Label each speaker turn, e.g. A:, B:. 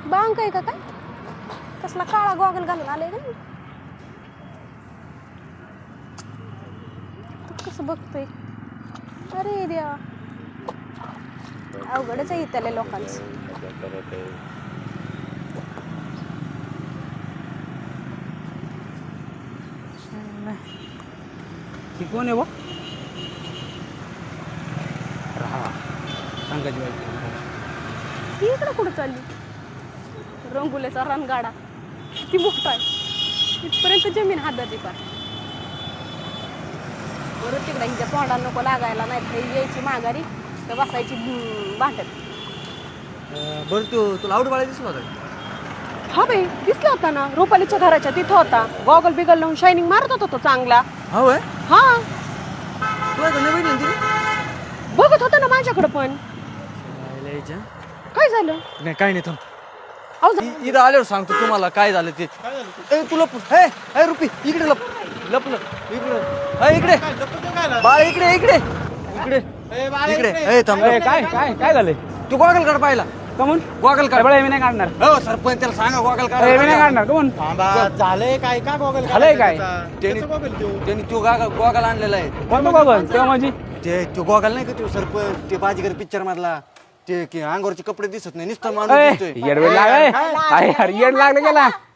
A: बांक आहे का काय? कसला काळा गॉगल घालून आले का? कसं बघतोय? अरे देवा, अवघडच आहे त्याला लोकांचं.
B: कोण आहे बा? सांगायची
A: ती इकडं कुठं चालली? रंगुल्याचा रणगाडा किती मोठा आहे, इथपर्यंत जमीन हादरली पार. बरं तिकडे हिच्या तोंडाला नको लागायला, नाही तर यायची माघारी तर बसायची भांडत.
B: बरं तुला आवड बाळा दिसला होता?
A: हा बाई दिसला होता ना, रुपालीच्या घराच्या तिथं होता. गॉगल बिगल लावून शायनिंग मारत होता तो चांगला.
B: होय.
A: हा
B: तुला नवीन बघितलं तिने?
A: बघत होता ना माझ्याकडे पण. काय झालं?
B: नाही काय नाही थांब.
A: अहो
B: इथं आल्यावर सांगतो तुम्हाला काय झालं ते. ए तुला हे रुपी इकडे लप लप लप इकडे इकडे बाळ इकडे इकडे इकडे इकडे ए थांब.
C: काय काय काय झालंय?
B: तू गॉगल काढ पाहिला
C: कमून
B: गॉगल काढ.
C: मी नाही काढणार.
B: हो सरपंच त्याला सांगा गॉगल काढ.
C: मी नाही काढणार. कमून
D: झालंय काय का गॉगल
C: झालंय काय?
B: त्यांनी तो गॉगल आणलेला आहे.
C: कोणतं बघन तेव्हा माझी
B: तो गॉगल नाही का तो सरपंच ते बाजीगर पिक्चर मधला ते अंगावरचे कपडे दिसत नाही नुसतं माणूस दिसतोय.
C: येड लागलाय. काय यार येड लागलं गेला.